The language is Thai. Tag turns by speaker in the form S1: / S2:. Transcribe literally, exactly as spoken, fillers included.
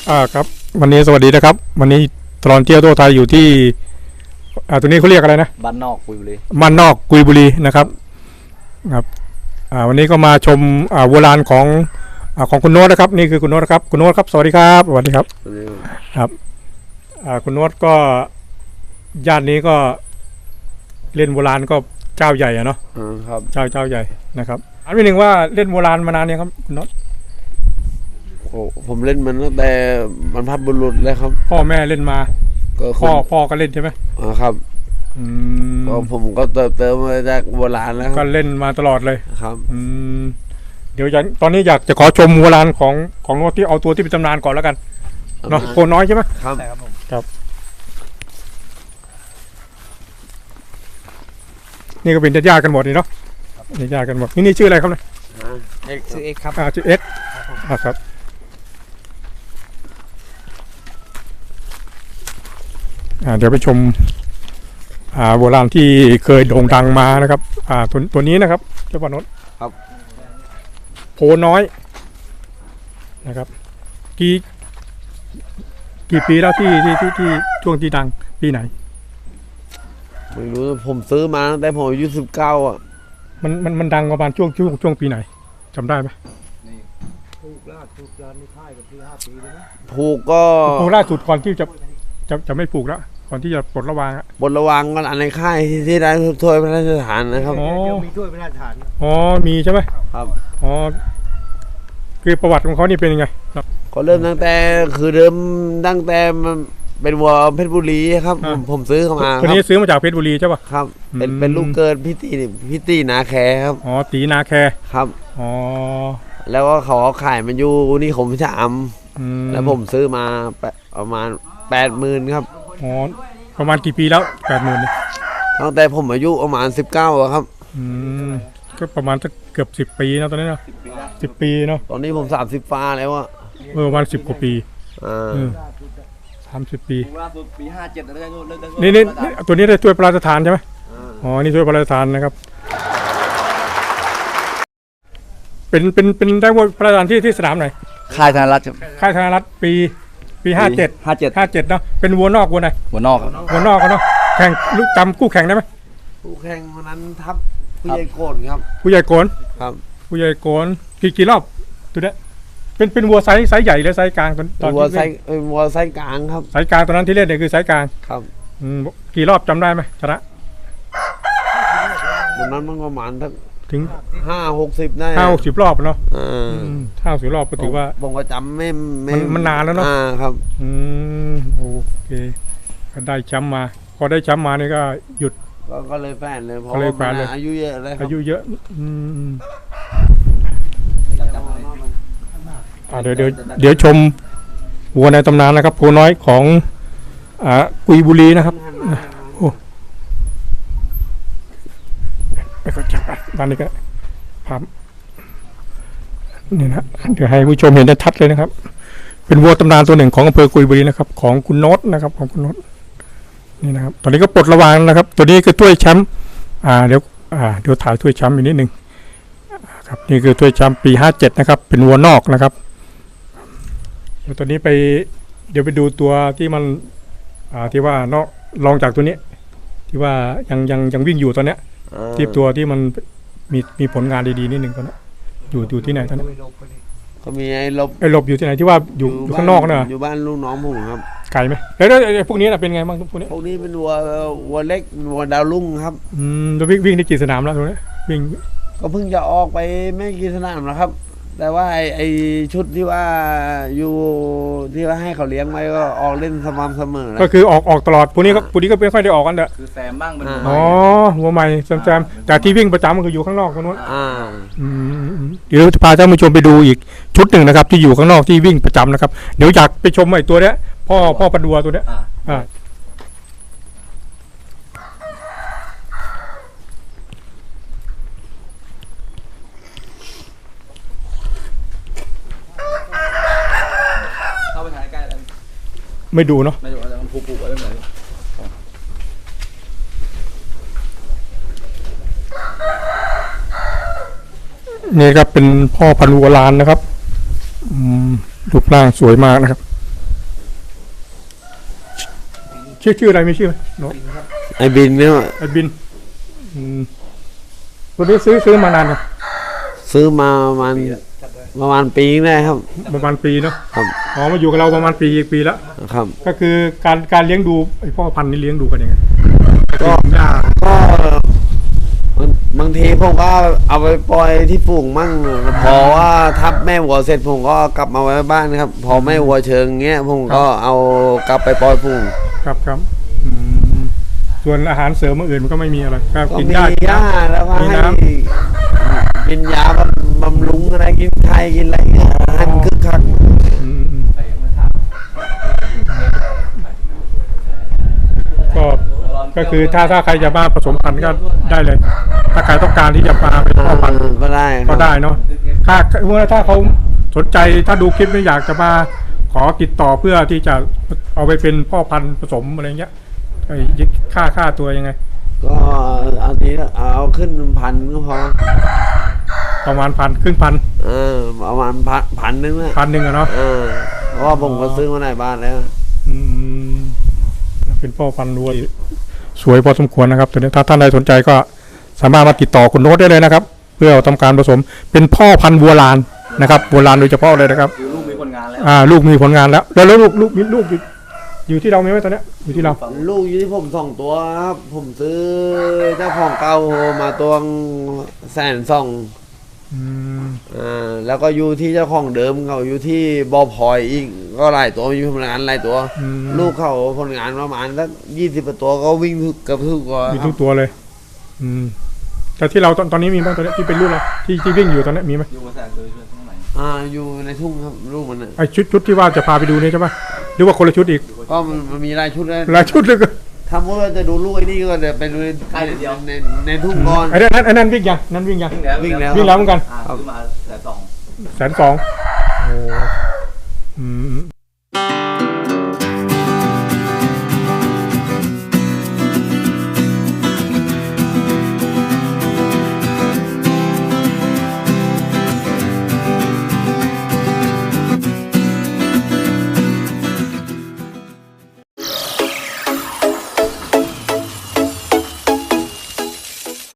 S1: อ่าครับวันนี้สวัสดีนะครับวันนี้ตลอดเที่ยวทั่วไทยอยู่ที่อ่าตัวนี้เขาเรียกอะไรนะ
S2: บ้านนอกกุยบุรี
S1: บ้านนอกกุยบุรีนะครับครับอ่าวันนี้ก็มาชมอ่าโบราณของอ่าของคุณโน้ตนะครับนี่คือคุณโน้ตครับคุณโน้ตครับสวัสดีครับสวัสดีครับครับอ่าคุณโน้ตก็ย่านนี้ก็เล่นโบราณก็เจ้าใหญ่อะเนาะ
S2: อืมครับ
S1: เจ้าเจ้าใหญ่นะครับอันที่หนึ่งว่าเล่นโบราณมานานยังครับคุณโน้ต
S2: โอ้ผมเล่นมันตั้งแต่บรรพบุรุษแล้วครับ
S1: พ่อแม่เล่นมา
S2: ก็
S1: พ่อพ่อก็เล่นใช่ไหม
S2: อ๋อครับ
S1: อืม
S2: ผมก็เติมเติมมาจากโบราณแล้ว
S1: ก็เล่นมาตลอดเลย
S2: ครับ
S1: อืมเดี๋ยวตอนนี้อยากจะขอชมโบราณของของโน้ตที่เอาตัวที่เป็นตำนานก่อนแล้วกันเนาะโคนน้อยใช่ไหม
S2: ครับ
S1: ครับนี่ก็เป็นญาติกันหมดนี่เนาะนี่ญาติกันหมดนี่นี่ชื่ออะไรครับเนี่ย
S2: เอ็กชื่อเอ็กครับ
S1: อ่าชื่อเอ็กอ่าครับอ่าเดี๋ยวไปชมอ่าโบราณที่เคยโด่งดังมานะครับอ่าตัวตัวนี้นะครับเจ้าปานนท์
S2: ครับ
S1: โพน้อยนะครับกี่กี่ปีแล้วที่ที่ที่ที่ช่วงที่ดังปีไหน
S2: ไม่รู้ผมซื้อมาตั้งแต่ผมอายุสิบเก้าอ่ะ
S1: มันมันมันดังประมาณช่วงช่วงช่วงปีไหนจำได้ไหม
S3: ผูกล่าสุดยานในค่ายกับที่ห้าปีเลยนะ
S2: ผูกก็
S1: ผูกล่าสุดก่อนที่จะจะจะไม่ผูกแล้วก่อนที่จะปลดระวางอะ
S2: ปลดระวางกันอันในค่ายที่ได้ถ้วยพระราชทานนะครับ
S1: อ๋อ
S3: มีถ้วยพระราชทาน
S1: อ๋อมีใช่ไหม
S2: ครับ
S1: อ๋อคือประวัติของเขานี่เป็นยังไง
S2: ก็เริ่มตั้งแต่คือเริ่มตั้งแต่เป็นวัวเพชรบุรีครับผมผมซื้อเข้ามา
S1: คนนี้ซื้อมาจากเพชรบุรีใช่ป่ะ
S2: ครับเป็นเป็นลูกเกิดพี่ตีพี่ตีนาแคครับ
S1: อ๋อตีนาแค
S2: ครับ
S1: อ๋อ
S2: แล้วก็เขาขายมันอยู่นี่ผมชะอำแล้วผมซื้อมาประมาณแปดหมื่นครับ
S1: อ๋อประมาณกี่ปีแล้วแปดหมื่น
S2: ตั้งแต่ผมอายุประมาณสิบเก้าครับ
S1: อืมก็ประมาณสักเกือบสิบปีนะตอนนี้เนาะสิบปีเนาะ
S2: ตอนนี้ผมสามสิบฟ้าแล้วอะ
S1: เออประมาณสิบกว่าปี
S2: อ่า
S1: สามสิบปี
S3: ล่าสุดปีห้าเจ็ดแล้วได้
S1: นี่นี่ตัวนี้ได้ถ้วยพระราชทานใช่ไหมอ๋อนี่ถ้วยพระราชทานนะครับเป็นเป็นเป็นได้ว่าพระราชทานที่ที่สนามไหน
S2: ค่ายธนรัตน์
S1: ค่ายธนรัตน์ปีปีห้าเจ็ด
S2: ห้าเจ็ด
S1: ห้าเจ็ดเนาะเป็นวัวนอกวัวไหน
S2: วัวนอก
S1: วัวนอกเนาะแข่งลูกจำคู่แข่งได้ไหม
S2: คู่แข่งวันนั้นทับผู้ใหญ่โกนครับ
S1: ผู้ใหญ่โกน
S2: ครับ
S1: ผู้ใหญ่โกนกี่กี่รอบตัวเนี้ยเป็นเป็นวัวไซส์ไซส์ใหญ่หรือไซส์กลางตอนตอน
S2: วัวไซส์วัวไซส์กลางครับ
S1: ไซส์กลางตอนนั้นที่เล่นเนี่ยคือไซส์กลาง
S2: ครับ
S1: อืมกี่รอบจำได้ไหมชนะ
S2: วันนั้นมันประมาณ
S1: ถึง
S2: ห้าหกสิบได้
S1: ห้าหกสิบรอบเนาะ
S2: อ่า
S1: ห้าสิบรอบก็ถือว่า
S2: ผมก็จำไม่ไม่
S1: มันนานแล้วเนาะ
S2: อ่าครับ
S1: อืมโอเคก็ได้แชมป์มาพอได้แชมป์มานี่ก็หยุด
S2: ก็เลยแฟนเลยเพราะอายุเยอะเลย
S1: อายุเยอะอืมเดี๋ยวเดี๋ยวเดี๋ยวชมวัวในตำนานนะครับโพน้อยของอ่ากุยบุรีนะครับโอ้ไปก็จับบ้านนี้ก็ภาพนี่นะเดี๋ยวให้ผู้ชมเห็นได้ชัดเลยนะครับเป็นวัวตำนานตัวหนึ่งของอำเภอกุยบุรีนะครับของคุณโน้ตนะครับของคุณโน้ตนี่นะครับตอนนี้ก็ปลดระวางนะครับตัวนี้คือถ้วยแชมป์อ่าเดี๋ยวอ่าเดี๋ยวถ่ายถ้วยแชมป์อีกนิดนึงครับนี่คือถ้วยแชมป์ปีห้าเจ็ดนะครับเป็นวัวนอกนะครับเดี๋ยวตัวนี้ไปเดี๋ยวไปดูตัวที่มันอ่าที่ว่านอกรองจากตัวนี้ที่ว่ายังยังยังวิ่งอยู่ตอนเนี้ยที่ตัวที่มันมีมีผลงานดีๆนิดนึงตอนนี้อยู่อยู่ที่ไหนตอนนี้
S2: เขามีไอ้ลบ
S1: ไอ้ลบอยู่ที่ไหนที่ว่าอยู่อยู่ข้างนอกนะ
S2: อยู่บ้านลูกน้องผมครับ
S1: ไกลไหมแล้วแล้วพวกนี้น่ะเป็นไงบ้างพวกนี้
S2: พวกนี้เป็นวัววัวเล็กวัวดาวรุ่งครับ
S1: อืมแล้ววิ่งวิ่งได้กี่สนามแล้วตรงนี้วิ่ง
S2: ก็เพิ่งจะออกไปไม่กี่สนามแล้วครับแต่ว่าไอ้ไอชุดที่ว่าอยู่ที่ว่าให้เขาเลี้ยงไว้ก็ออกเล่นสม่ำเสมอ
S1: ก็คือออกออกตลอดพวกนี้ก็พวกนี้ก็ไม่ค่อยได้ออกกันเด้อ
S3: คือแซมบ้างเป็น
S1: อ๋อหัวใหม่แซมๆแต่ที่วิ่งประจำก็คืออยู่ข้างนอกตรงนู้น
S2: อ่า
S1: เดี๋ยวจะพาท่านผู้ชมไปดูอีกชุดหนึ่งนะครับที่อยู่ข้างนอกที่วิ่งประจำนะครับเดี๋ยวอยากไปชมไอ้ตัวเนี้ยพ่อพ่อปันดัวตัวเนี้ยอ่าไม่ดูเนาะ
S3: ไม่ดูแต่มันผูกๆไว้แบบไหน
S1: นี่ครับเป็นพ่อพันธุ์วัวลานนะครับรูปร่างสวยมากนะครับชื่อชื่ออะไรมีชื่อไหมโน้ต
S2: ไอ้บินเนี่ย
S1: ไอ้บินอืมตัวนี้ซื้อซื้อมานานยัง
S2: ซื้อมาประมาณประมาณปีนึงได้ครับ
S1: ประมาณปีเนาะ
S2: ครับ
S1: อ๋อมาอยู่กับเราประมาณปีอีกปีแล้ว
S2: ครับ
S1: ก็คือการการเลี้ยงดูไอ้พ่อพันธุ์นี่เลี้ยงดูกันยังไง
S2: ก็
S1: หญ้า
S2: ก็บางบางทีผมก็เอาไปปล่อยที่ฝูงมั่งพอว่าทับแม่วัวเสร็จผมก็กลับมาไว้บ้านครับ พอแม่วัวเชิงเงี้ยผมก็เอากลับไปปล่อยฝูง
S1: ครับครับอืมส่วนอาหารเสริมอื่นมันก็ไม่มีอะไรก็
S2: ก็
S1: กิน
S2: มี
S1: หญ้า
S2: หญ้าแล้วก็
S1: มี
S2: ให้
S1: น้
S2: กินยาบำบำรุงอะไรกินไข่กินอะไรเงี้ยให้มันคึกคัก
S1: อืมอืมก็ก็คือถ้าถ้าใครจะมาผสมพันธุ์ก็ได้เลย ถ้าใครต้องการที่จะมาเป็นพ่อพันธุ์
S2: ก็ได้ครับ
S1: ก็ได้เนาะถ้าเมื่อถ้าเขาสนใจถ้าดูคลิปนี้อยากจะมาขอติดต่อเพื่อที่จะเอาไปเป็นพ่อพันธุ์ผสมอะไรเงี้ยไอ้ค่าค่าตัวยังไง
S2: ก็เอาทีละเอาขึ้นพันก็พอ
S1: ประมาณพันครึ่งพัน
S2: เออประมาณพันพันนึงนะ
S1: พันหนึ่งอะเนาะ
S2: เออเพราะว่าผมก็ซื้อมาในบ้านแล้ว
S1: อืมเป็นพ่อพันธุ์วัวสวยพอสมควรนะครับตัวนี้ถ้าท่านใดสนใจก็สามารถมาติดต่อคุณโน้ตได้เลยนะครับ เพื่อทำการผสมเป็นพ่อพันธุ์วัวลานนะครับวัวลานโดยเฉพาะเลยนะครับ
S3: คือลูกมีผลงานแล้ว
S1: อ่าลูกมีผลงานแล้ว แล้วแล้วลูกลูกมีลูกอยู่อยู่ที่เรามีไหมตอนเนี้ยอยู่ที่เรา
S2: ลูกอยู่ที่ผมสองตัวครับ ผมซื้อเจ้าของเก่ามาตัวแสนสอง
S1: อืม
S2: อ่าแล้วก็อยู่ที่เจ้าของเดิมเขาอยู่ที่บอพลอยอีกก็หลายตัวมีผลงานหลายตัว
S1: อืม
S2: ลูกเขาผลงานประมาณสักยี่สิบตัวก็วิ่งทุกเกับทุกตัว
S1: มีทุกตัวเลย อืมแต่ที่เราตอนตอนนี้มีบ้างตอนนี้ที่เป็นลูกเราที่ที่วิ่งอยู่ตอนนี้มีไหม
S3: อยู่กับแสงเลยช่วยทั้งไหน
S2: อ่าอยู่ในทุ่งครับลูกมันน่ะ
S1: ไอชุดชุดที่ว่าจะพาไปดูนี่ใช่ปะหรือว่าคนละชุดอีก
S2: ก็มันมันมีหลายชุดเลย
S1: หลายชุดเลยก็
S2: ถ้าว่าจะดูลูกไอ้นี่ก็เดี๋ยวไปดูในในในทุ่งก่อน
S1: ไอ้นั่นไอ้นั่นวิ่งยังนั่นวิ่งยัง
S2: วิ่งแล้ว
S1: วิ่งแล้วเหมือนกัน
S3: อ่าซื้อมาแต่สอง
S1: แสนสองโอ้อืม